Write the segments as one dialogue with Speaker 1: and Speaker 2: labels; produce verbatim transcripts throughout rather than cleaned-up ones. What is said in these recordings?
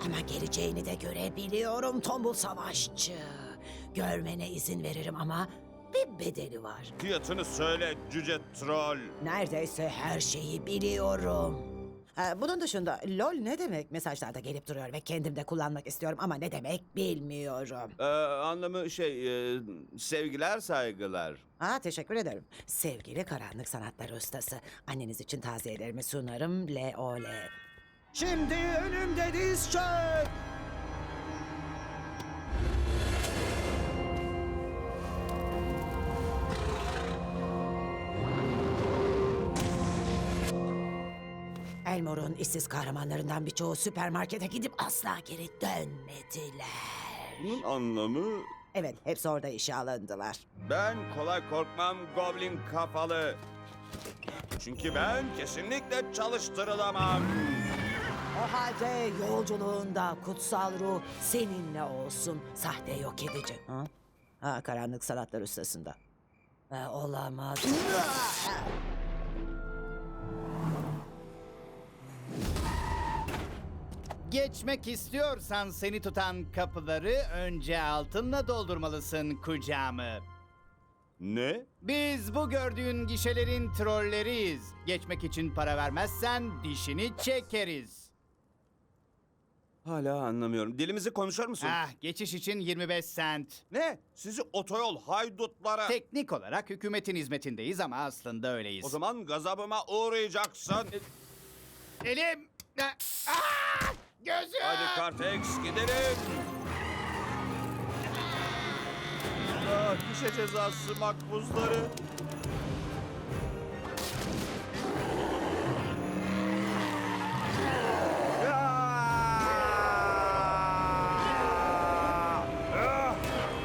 Speaker 1: Ama geleceğini de görebiliyorum tombul savaşçı. Görmene izin veririm ama bir bedeli var.
Speaker 2: Fiyatını söyle cüce troll.
Speaker 1: Neredeyse her şeyi biliyorum. Ha, bunun dışında lol ne demek mesajlarda gelip duruyor ve kendim de kullanmak istiyorum ama ne demek bilmiyorum.
Speaker 2: Ee, anlamı şey, e, sevgiler saygılar.
Speaker 1: Ha, teşekkür ederim. Sevgili karanlık sanatlar ustası. Anneniz için taziyelerimi sunarım. Le ole. Şimdi önümde diz çök. Elmore'un işsiz kahramanlarından birçoğu süpermarkete gidip asla geri dönmediler.
Speaker 2: Bunun anlamı...
Speaker 1: Evet, hepsi orada işe alındılar.
Speaker 2: Ben kolay korkmam goblin kafalı. Çünkü ben kesinlikle çalıştırılamam.
Speaker 1: O halde yolculuğunda kutsal ruh seninle olsun. Sahte yok edici. Ha? Ha, karanlık sanatlar ustasında. Ha, olamaz.
Speaker 3: Geçmek istiyorsan seni tutan kapıları önce altınla doldurmalısın kucağımı.
Speaker 2: Ne?
Speaker 3: Biz bu gördüğün gişelerin trolleriyiz. Geçmek için para vermezsen dişini çekeriz.
Speaker 2: Hala anlamıyorum. Dilimizi konuşur musun?
Speaker 3: Ah, geçiş için yirmi beş sent.
Speaker 2: Ne? Sizi otoyol haydutlara...
Speaker 3: Teknik olarak hükümetin hizmetindeyiz ama aslında öyleyiz.
Speaker 2: O zaman gazabıma uğrayacaksın.
Speaker 3: Elim! Ah! Gözüm!
Speaker 2: Hadi Kartex gidelim. Ah, düşe cezası makbuzları. Ah! Ah!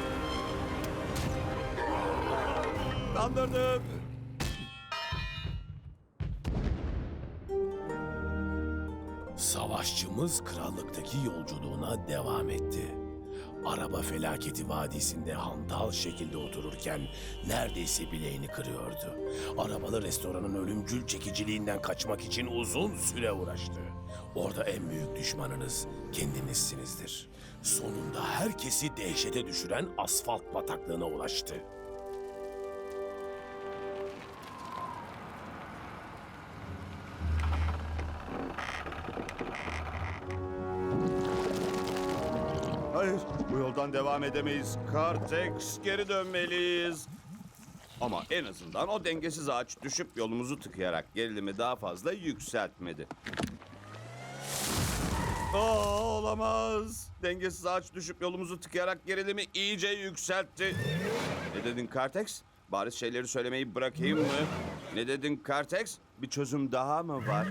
Speaker 2: Kandırdım.
Speaker 4: Savaşçımız krallıktaki yolculuğuna devam etti. Araba felaketi vadisinde hantal şekilde otururken neredeyse bileğini kırıyordu. Arabalı restoranın ölümcül çekiciliğinden kaçmak için uzun süre uğraştı. Orada en büyük düşmanınız kendinizsinizdir. Sonunda herkesi dehşete düşüren asfalt bataklığına ulaştı.
Speaker 2: Hayır, bu yoldan devam edemeyiz. Kartex, geri dönmeliyiz. Ama en azından o dengesiz ağaç düşüp yolumuzu tıkayarak gerilimi daha fazla yükseltmedi. Aa, olamaz. Dengesiz ağaç düşüp yolumuzu tıkayarak gerilimi iyice yükseltti. Ne dedin Kartex? Bariz şeyleri söylemeyi bırakayım mı? Ne dedin Kartex? Bir çözüm daha mı var?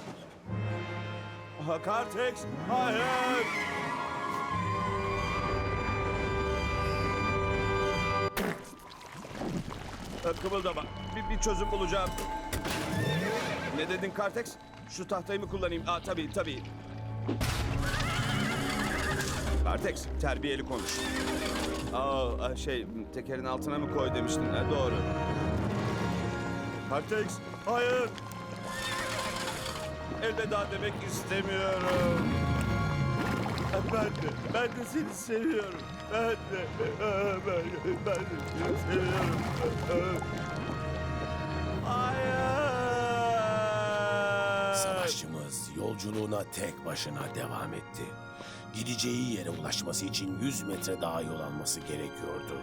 Speaker 2: Aha, Kartex, hayır! Kımıldama. Bir, bir çözüm bulacağım. Ne dedin Kartex? Şu tahtayı mı kullanayım? Aa, tabii tabii. Kartex, terbiyeli konuş. Aa, şey, tekerin altına mı koy demiştin? Ha, doğru. Kartex, hayır. Elveda demek istemiyorum. Ben de, ben de seni seviyorum. Ben de, ben de, ben de seni seviyorum. Hayır.
Speaker 4: Savaşçımız yolculuğuna tek başına devam etti. Gideceği yere ulaşması için yüz metre daha yol alması gerekiyordu.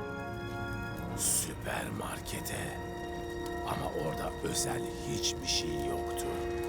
Speaker 4: Süpermarkete. Ama orada özel hiçbir şey yoktu.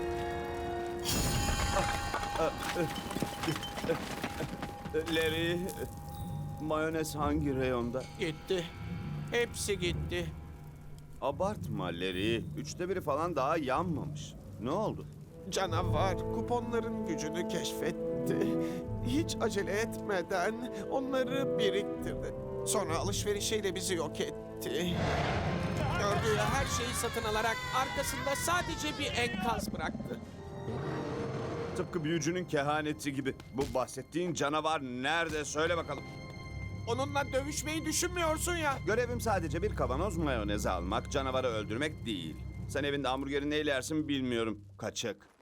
Speaker 2: Larry, mayonez hangi reyonda?
Speaker 5: Gitti. Hepsi gitti.
Speaker 2: Abartma Larry. Üçte biri falan daha yanmamış. Ne oldu?
Speaker 5: Canavar kuponların gücünü keşfetti. Hiç acele etmeden onları biriktirdi. Sonra alışverişiyle bizi yok etti. Gördüğü her şeyi satın alarak arkasında sadece bir enkaz bıraktı.
Speaker 2: Tıpkı büyücünün kehaneti gibi. Bu bahsettiğin canavar nerede? Söyle bakalım.
Speaker 5: Onunla dövüşmeyi düşünmüyorsun ya.
Speaker 2: Görevim sadece bir kavanoz mayonez almak, canavarı öldürmek değil. Sen evinde hamburgeri neyle yersin bilmiyorum. Kaçık.